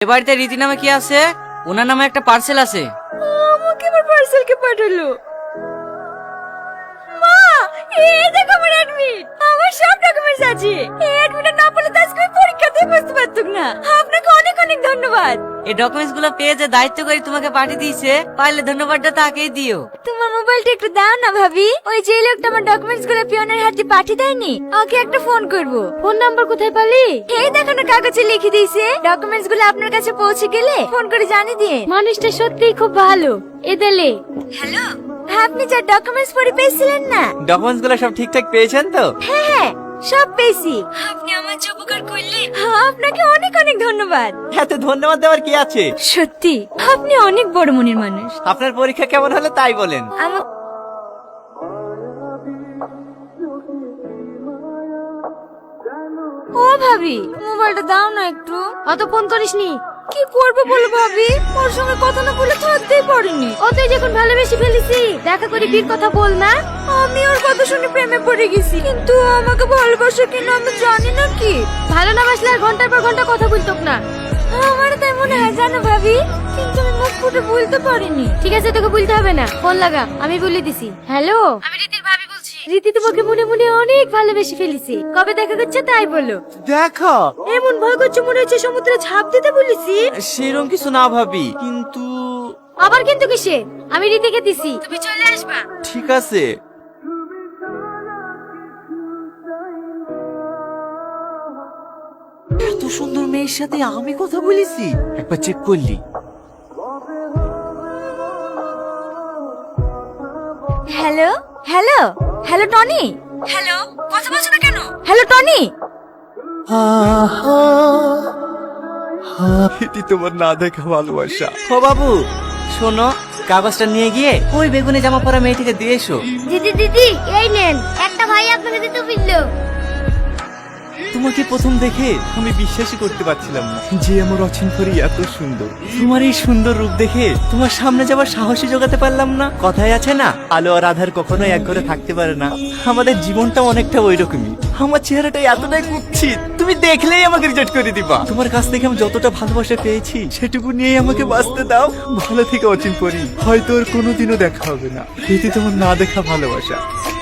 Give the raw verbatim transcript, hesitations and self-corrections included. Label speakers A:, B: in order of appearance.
A: এ বাড়িতে রীতি নামে কি আছে? ওনার নামে একটা পার্সেল আছে।
B: আমাকে আমার পার্সেল কে পাঠালো? মা, এই দেখো আমার অ্যাডমিট। আমার সব ডকুমেন্টস আছে। এই অ্যাডমিটটা না পেলে তো আজকে আমি পরীক্ষাতেই বসতে পারতাম না। আপনাকে অনেক অনেক ধন্যবাদ।
A: এই ডকুমেন্টস গুলো পেয়ে যে দায়িত্ব করে তোমাকে পাঠিয়ে দিয়েছে, পারলে ধন্যবাদটা তাকেই দিও।
B: তোমার মোবাইলটা একটু দাও না ভাবি। ওই যে লোকটা আমার ডকুমেন্টস গুলো পিয়নের হাতে পাঠিয়ে দেয়নি, ওকে একটা ফোন করব। ফোন নাম্বার কোথায় পালি? এই দেখো না, কাগজে লিখে দিয়েছে। ডকুমেন্টস গুলো আপনার কাছে পৌঁছে গেলে ফোন করে জানিয়ে দিয়ে। মানুষটা সত্যিই খুব ভালো। এদেলে হ্যালো, আপনি যা ডকুমেন্টস পড়ে পেয়েছিলেন না?
C: ডকুমেন্টস গুলো সব ঠিকঠাক পেয়েছেন তো?
B: হ্যাঁ হ্যাঁ, সব পেয়েছি। আপনি আমার যে উপকার করলেন, আপনাকে অনেক অনেক ধন্যবাদ।
C: এত ধন্যবাদ দেওয়ার কি আছে?
B: সত্যি আপনি অনেক বড় মনের মানুষ।
C: আপনার পরীক্ষা কেমন হলো তাই বলেন।
B: আমার ও ভাবি, মোবাইলটা দাও না একটু। অত ফোন করিসনি? কি করবে বলো ভাবি, ওর সঙ্গে কথা না বলে থাকতেই পারিনি। ও তুই যখন ভালোবেসে ফেলেছি, দেখা করে বিয়ের কথা বল না। আমি ওর কথা শুনে প্রেমে পড়ে গেছি, কিন্তু আমাকে ভালোবাসে কিনা আমি জানি না। কি ভালো না বাসলে আর ঘন্টার পর ঘন্টা কথা বলতো না। আমার তাই মনে হয় জানো ভাবি, কিন্তু আমি মুখ ফুটে বলতে পারিনি। ঠিক আছে, তোকে বলতে হবে না, ফোন লাগা, আমি বলে দিছি। হ্যালো, আমি রীতির ভাবি বলছি। রীতি তোমাকে মনে মনে অনেক ভালোবেসে ফেলেছি। কবে দেখা করছে তাই বলো।
C: দেখো,
B: এমন ভয় করছে মনে হচ্ছে সমুদ্রে ঝাঁপ দিতে বলেছি।
C: সেরকম কিছু না ভাবি, কিন্তু
B: আবার কিন্তু কিসে? আমি রীতিকে দিছি, তুমি চলে আসবা।
C: ঠিক আছে। এত সুন্দর মেয়ের সাথে আমি কথা বলেছি, একবার চেক করলি?
B: Hello hello hello Tony. Hello, কথা বলছো না কেন? Hello Tony.
C: এটি তোমার না দেখা ভালোবাসা। ও বাবু শোনো, কাগজটা নিয়ে গিয়ে ওই বেগুনি জামা পরা মেয়েটিকে দিয়ে এসো।
B: দিদি দিদি, এই নেন, একটা ভাই আপনাকে দিতে বললো।
C: তোমাকে প্রথম দেখে আমি বিশ্বাসই করতে পারছিলাম না যে আমার অচিন্তরই এত সুন্দর। তোমার এই সুন্দর রূপ দেখে তোমার সামনে যাবার সাহসী জোগাতে পারলাম না। কথায় আছে না, আলো আর আধার কখনোই এক ঘরে থাকতে পারে না। আমাদের জীবনটা অনেকটা ওই রকমই। আমার চেহারাটা এতটাই কুৎসিত, তুমি দেখলেই আমাকে রিজেক্ট করে দিবা। তোমার কাছ থেকে আমি যতটা ভালোবাসা পেয়েছি সেটুকু নিয়েই আমাকে বাঁচতে দাও। ভালো থেকে অচিন পরি, হয়তো ওর কোনোদিনও দেখা হবে না। এটি তোমার না দেখা ভালোবাসা।